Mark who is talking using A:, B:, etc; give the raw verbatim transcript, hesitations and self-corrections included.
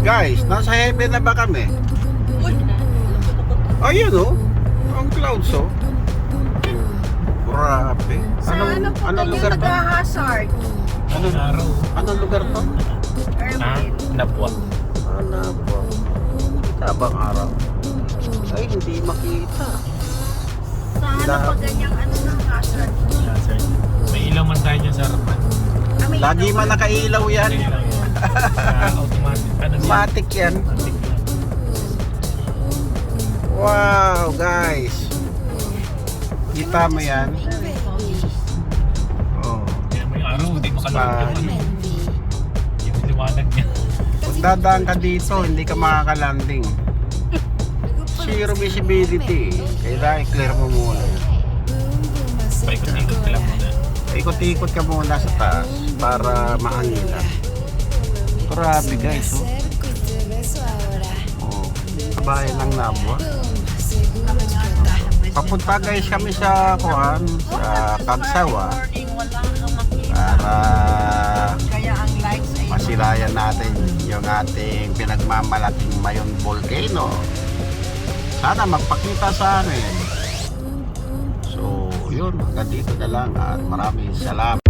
A: Guys, nasa heaven na ba kami? Ayun oh. Ang clouds oh. Grabe.
B: Sa ano po
A: anong
B: yung
A: lugar to?
B: taga-hazard?
A: Anong,
C: Araw.
A: anong lugar to?
C: Ah,
B: Erwin.
C: Napwa.
A: Ano po? Tabang araw. Ay, hindi makita.
B: Sa ano
A: La-
B: po ganyang ano ng hazard?
C: Yeah, sir. May ilaw man tayo dyan sa harapan.
B: Ah, may
A: Lagi
B: ilaw
A: man
B: pa.
A: nakailaw yan.
C: May ilaw yan. Sa automatic. Ano yan?
A: Matic yan.
C: Automatic yan.
A: Wow, guys. Kita mo yan? Oh.
C: Kaya mo yung araw, hindi makalawag yung ano. Yung liwanag niya.
A: Kung dadaan ka dito, hindi ka makakalanding. Zero visibility. Kailangan i-clear mo muna.
C: Paikot-ikot ka lang muna.
A: Ikot-ikot ka muna sa taas para mahanginan. Grabe guys, oh. Oh, kabayan ng Nabwa. Papunta guys kami sa kuhan, sa Kagsawa
B: Morning, wala kang makita.
A: para
B: Kaya ang lights ay
A: masilayan natin yung ating pinagmamalaking Mayon Volcano. Sana magpakita sa amin. So, yun, hanggang dito na lang at maraming salamat.